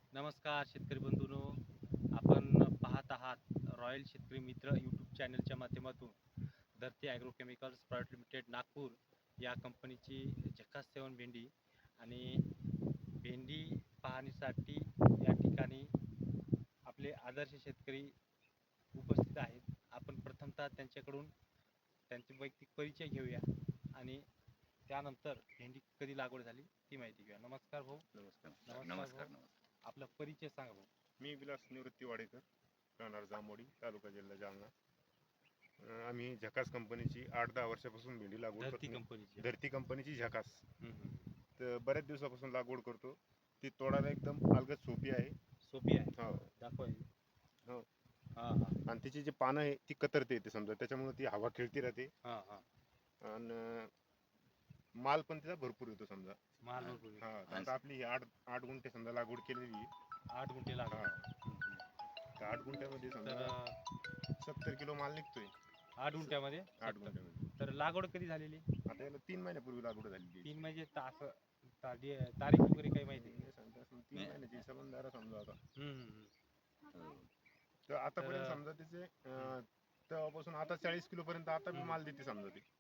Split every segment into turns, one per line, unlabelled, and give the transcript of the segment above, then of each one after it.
नमस्कार शेतकरी बंधूंनो, आपण पाहत आहात रॉयल शेतकरी मित्र यूट्यूब चॅनलच्या माध्यमातून Dharti agro chemicals private limited Nagpur या कंपनीची झकास 7 भेंडी आणि भेंडी पाहणीसाठी या ठिकाणी आपले आदर्श शेतकरी उपस्थित आहेत. आपण प्रथमतः त्यांच्याकडून त्यांचे वैयक्तिक परिचय घेऊया आणि त्यानंतर भेंडी कधी लागवड झाली ती माहिती घेऊया. नमस्कार भाऊ.
नमस्कार.
आपला परिचय सांगा भाऊ.
मी विलास निवृत्ती वाडेकर, राहणार जामोडी, तालुका जिल्हा जालना. आम्ही झकास कंपनीची 8-10 वर्षापासून भेंडी लागवड
धरती
करतो.
कंपनीची.
धरती कंपनीची झकास
हम्म.
तर बऱ्याच दिवसापासून लागवड करतो. ती तोडायला एकदम अलगद सोपी आहे.
सोपी आहे.
हो
दाखवा.
हो.
हा हा
आणि तिची जी पानं आहे ती कतरते येते समजा, त्याच्यामुळे ती हवा खेळती राहते.
हा हा
आणि माल पण तिचा भरपूर येतो समजा.
माल भरपूर आहे.
हा, आता आपली 8 गुंठे समजा लागवड केलेली आहे.
8 गुंठे लागवड.
तर 8 गुंठ्यामध्ये समजा
तर
70 किलो माल निघतोय.
8 गुंठ्यामध्ये
8 गुंठ्यामध्ये
तर लागवड कधी झालेली?
आता याला 3 महिन्यापूर्वी लागवड झालेली.
3 म्हणजे तारीख वगैरे काही माहिती आहे?
3 महिन्याची हिशोबाने समजा आता.
हम्म.
तर आतापर्यंत समजा तिचे तेव्हापासून आता 40 किलो पर्यंत आता बी माल देते समजा ती.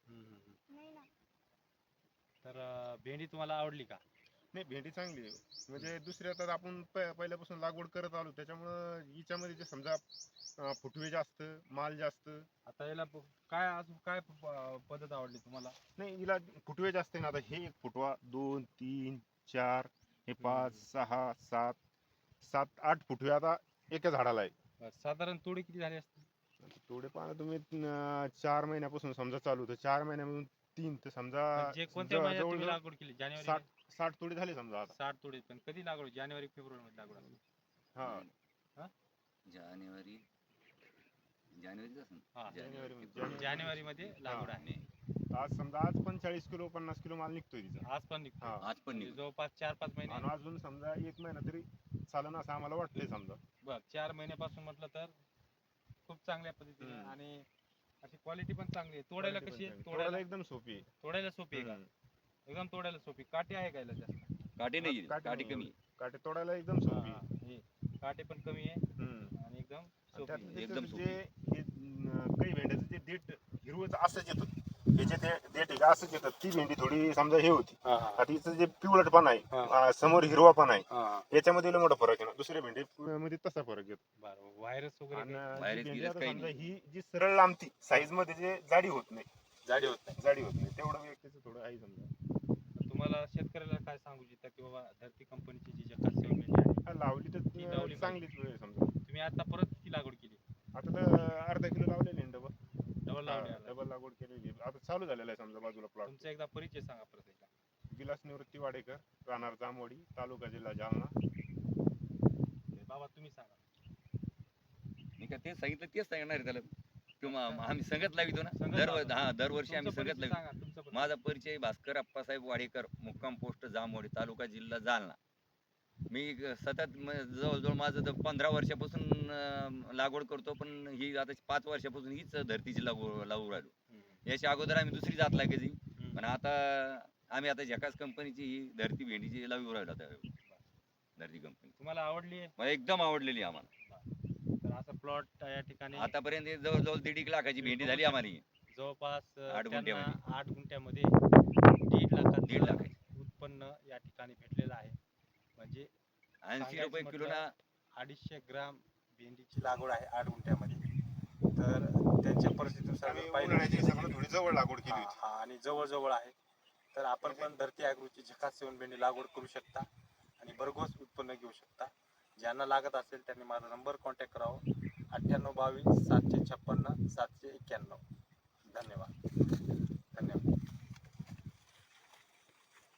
तर भेंडी तुम्हाला आवडली का?
नाही, भेंडी चांगली आहे. म्हणजे दुसऱ्या तर आपण पहिल्यापासून लागवड करत आलो, त्याच्यामुळं हिच्यामध्ये जे समजा फुटवे जास्त, माल जास्त.
आता याला काय अजून काय पद्धत आवडली तुम्हाला?
नाही, हिला फुटवे जास्त आहे ना. आता हे एक फुटवा, 2, 3, 4, हे 5, 6, 7, 8 फुटवे आता एका झाडाला आहे.
साधारण तोडी किती झाली असते?
थोडे पाहणं तुम्ही 4 महिन्यापासून समजा चालू होतं. 4 महिन्यापासून 3 तर समजा
म्हणजे कोणत्या महिन्यात तुम्ही
जवळजवळ
लागवड केली? जानेवारी
60 तोडे झाले समजा आता.
60 तोडे. पण कधी लागवड? जानेवारी फेब्रुवारी मध्ये लागवड असते.
हा,
जानेवारी मध्ये लागवड आहे.
आज समजा आज पण 40 किलो 50 किलो माल निघतोय तिचा.
आज पण निघतो.
हा.
म्हणजे जवळपास 4-5 महिने.
आणि अजून समजा 1 महिना तरी चालन असं आम्हाला वाटतंय समजा.
बघ 4 महिन्यापासून म्हटलं तर खूप चांगल्या पद्धतीने आणि अशी क्वालिटी पण चांगली आहे. तोडायला कशी आहे?
तोडायला एकदम सोपी आहे.
तोडायला सोपी आहे का? एकदम तोडायला सोपी. काटे आहे का याला जास्त?
काटे नाही, काटे
नाही,
कमी.
काटे तोडायला एकदम सोपी आहे.
हे काटे पण कमी आहे आणि एकदम
आणि
सोपी
त्यातलं
आहे.
एकदम
त्याचं
सोपी.
जे हे, काही भेंड्याचं जे देठ हिरवं असंच येतं. हे जे देठ आहे असंच येतं. ती भेंडी थोडी समजा हे होती. आता हिचं जे पिवळटपण आहे, समोर हिरवा पण आहे, याच्यामध्ये लय मोठा फरक आहे ना. दुसऱ्या भेंडी मध्ये तसा फरक येतो.
बरं. व्हायरस वगैरे
आणि
काही?
जी
व्हायरस
भेंडी
गिरस
आता
काही
समजा
नाही.
ही जी सरळ लांबती साईज मध्ये जे जाडी होत नाही.
जाडी होत नाही.
तेवढं व्यक्तीचं थोडं आहे समजा.
तुम्हाला शेतकऱ्याला काय सांगू इच्छिता की बाबा धरती कंपनीची जी जकास 7 भेंडी आहे
हा, लावली तर
ती लावली
चांगलीच वेळ आहे समजा.
तुम्ही आता परत किती लागवड केली?
आता तर अर्धा किलो लावलेली आहे डबल.
डबल लावली आता.
डबल लागवड केलेली आहे. आता चालू झालेला आहे समजा बाजूला प्लॉट.
तुमचा एकदा परिचय सांगा परत एकदा.
विलास निवृत्ती वाडेकर, राहणार जामवाडी, तालुका जिल्हा जालना.
बाबा तुम्ही सांगा.
मी का तेच सांगितलं, तेच सांगणार आहे त्याला. किंवा आम्ही संगत लावितो ना.
संगत लावता.
दरवर्षी आम्ही
तुमचा
संगत
परिचय
लावितो.
सांगा, तुमचा परिचय.
माझा परिचय भास्कर अप्पासाहेब वाडेकर, मुक्काम पोस्ट जामोडी, तालुका जिल्हा जालना. मी सतत जवळजवळ माझं तर 15 वर्षापासून लागवड करतो, पण ही आता 5 वर्षापासून हीच धरतीची लावू राहिलो. याच्या अगोदर आम्ही दुसरी जात लागायची, पण आता आम्ही आता झकास कंपनीची ही धरती भेंडीची लावू राहिलो. आता धरती कंपनी
तुम्हाला आवडली आहे?
मला एकदम आवडलेली आम्हाला.
तर असा प्लॉट या ठिकाणी
आतापर्यंत जवळजवळ 1.5 लाखाची भेंडी झाली आम्हाला ही.
जवळपास
8 गुंठ्यामध्ये.
8 गुंठ्यामध्ये 1.5
दीड
लाखाचं
लाखाची.
उत्पन्न या ठिकाणी भेटलेलं आहे. म्हणजे
80 रुपये
सांगायचं
किलोना.
250 ग्राम भेंडीची लागवड आहे 8 गुंठ्यामध्ये. तर त्यांच्या परिस्थितीनुसार
आम्ही
जर पाहिलं
उन्हाळ्याच्या हिशोबाने थोडी जवळ लागवड केली होती.
आणि जवळ आहे. तर आपण पण धरती ॲग्रोची झकास 7 भेंडी लागवड करू शकता आणि भरघोस उत्पन्न घेऊ शकता. ज्यांना लागत असेल त्यांनी माझा नंबर कॉन्टॅक्ट करावा. 9822 756 791. धन्यवाद.